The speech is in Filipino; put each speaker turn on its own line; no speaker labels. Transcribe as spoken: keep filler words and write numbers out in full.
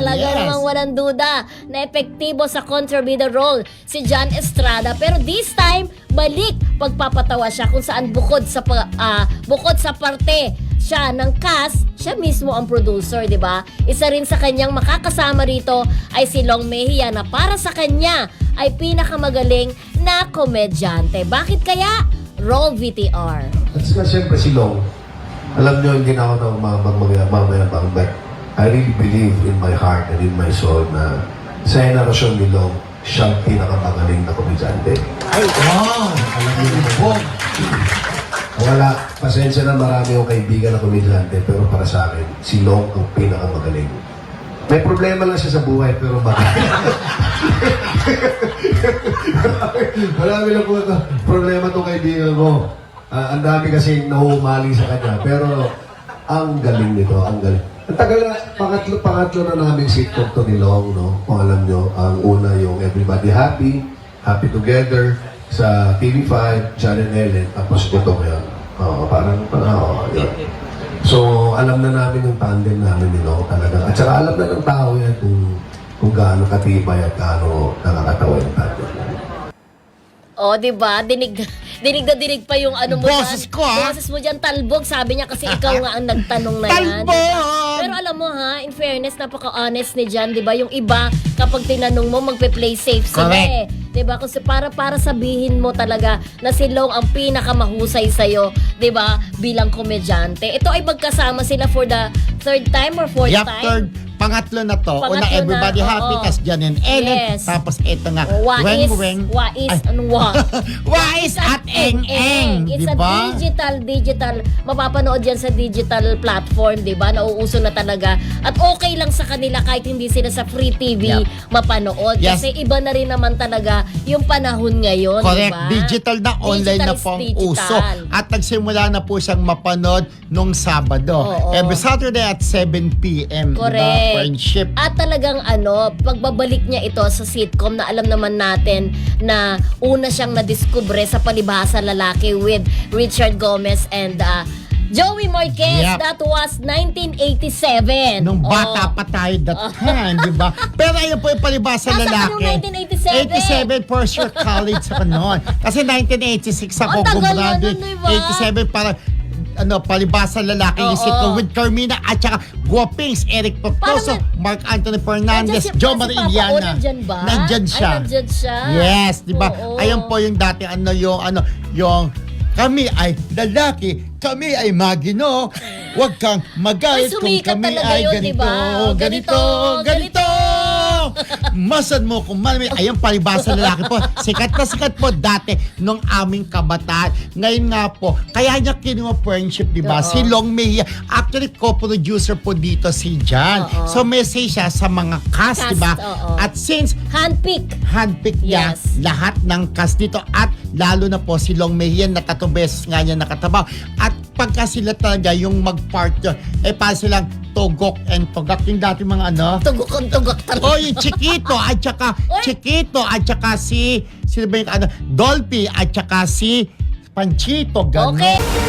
Talaga
Yes.
namang walang duda na epektibo sa kontrabida role si John Estrada. Pero this time, balik pagpapatawa siya kung saan bukod sa pa- ah, bukod sa parte siya ng cast, siya mismo ang producer, di ba? Isa rin sa kanyang makakasama rito ay si Long Mejia na para sa kanya ay pinakamagaling na komedyante. Bakit kaya? Roll V T R.
At saka siyempre si Long, alam nyo, hindi na ako na mamayabang, but I really believe in my heart and in my soul na sa henerasyon ni Long, siyang pinakamagaling na komedyante.
Ay, wow!
Alam niyo po, wala, pasensya na marami akong kaibigan na komedyante, pero para sa akin, si Long ang pinakamagaling. May problema lang siya sa buhay, pero bakit? Marami lang po problema itong kaibigan ko. Ah, ang dami kasi nahuhumali sa kanya, pero ang galing nito, ang galing. Ang tagal na, pangatlo, pangatlo na namin sitcom to ni Long, no? Kung alam nyo, ang una yung Everybody Happy, Happy Together, sa T V five, John and Ellen, tapos ito ngayon. Oo, parang, parang, oo, yun. So, alam na namin yung tandem namin ni Long talaga. At saka alam na ng tao yan kung, kung gaano katibay at gaano nakakatawa yung tandem namin.
O, di ba? Dinig, dinig na dinig pa yung ano mo
Boses
dyan.
ko, ha?
Boses mo dyan, talbog. Sabi niya kasi ikaw nga ang nagtanong na yan.
Talbog!
Pero alam mo ha, in fairness, napaka-honest ni Jan, di ba? Yung iba, kapag tinanong mo, magpe-play safe sila eh. Di ba? Kasi para, para sabihin mo talaga na si Long ang pinakamahusay sa'yo, di ba? Bilang komedyante. Ito ay magkasama sila for the third time or fourth
Yup,
time?
third. Pangatlo na to.
Pangatlo
Una, Everybody
na,
Happy,
oo.
tas Jan and Ellen.
Yes.
Tapos ito nga,
Wais,
Weng Weng.
Wais,
Ay.
anong wa?
Wais at Eng Eng.
It's
Di
a
ba?
digital, digital. Mapapanood yan sa digital platform, di ba? Nauuso na talaga. At okay lang sa kanila kahit hindi sila sa free T V
Yep.
mapanood.
Yes.
Kasi iba na rin naman talaga yung panahon ngayon, di
Correct.
ba?
Digital na, online
Digital
na
is
po ang
digital.
uso. At nagsimula na po siyang mapanood nung Sabado.
Oo.
Every Saturday at seven p.m.
Correct.
Diba? Friendship.
At talagang ano, pagbabalik niya ito sa sitcom na alam naman natin na una siyang nadiskubre sa Palibhasa Lalaki with Richard Gomez and uh, Joey Marquez.
Yep.
That was nineteen eighty-seven.
Nung bata
Oh.
pa tayo that time, di ba? Pero ayun po yung palibasa
Nasaan
lalaki.
yung nineteen eighty-seven?
eighty-seven first year college ako noon. Kasi nineteen eighty-six ako
Ang tagal na
gumraduate.
nun, di ba?
eighty-seven para ano, palibasa lalaki yung
Oo.
sitcom with Carmina at saka Guapings, Eric Pactoso,
Parang
Mark Anthony Fernandez,
Nandyan si-
Joe
si
Marie
Papa O,
Iliana.
nandyan ba?
Nandyan siya.
Ay, nandyan siya.
Yes, di ba?
Oo.
Ayun po yung dati ano yung ano yung kami ay lalaki, kami ay magino. Huwag kang magalit
Ay,
kung
sumikat
kami
talaga
ay
yun,
ganito,
diba?
ganito,
Ganito,
ganito. Masan mo kung malami. Ayun, palibasa lalaki po. Sikat na sikat po dati nung aming kabataan. Ngayon nga po, kaya niya kinuha friendship, di ba?
Oo.
Si Long Mejia. Actually, co-producer po dito si Jan.
Oo.
So, message siya sa mga cast,
Cast,
di ba?
oo.
At since
Handpick.
handpick niya
Yes.
lahat ng cast dito at lalo na po si Long Mejia na tatlong beses nga niya nakatabaw. At pagka sila talaga yung mag-partner, eh pa silang Togok and Togak. Yung dati mga ano,
Tugok ang tugok talaga.
oh, yung Chiquito at saka
Oy!
Chiquito at saka si sino ba yung ano, Dolphy at saka si Panchito, gano'n.
Okay.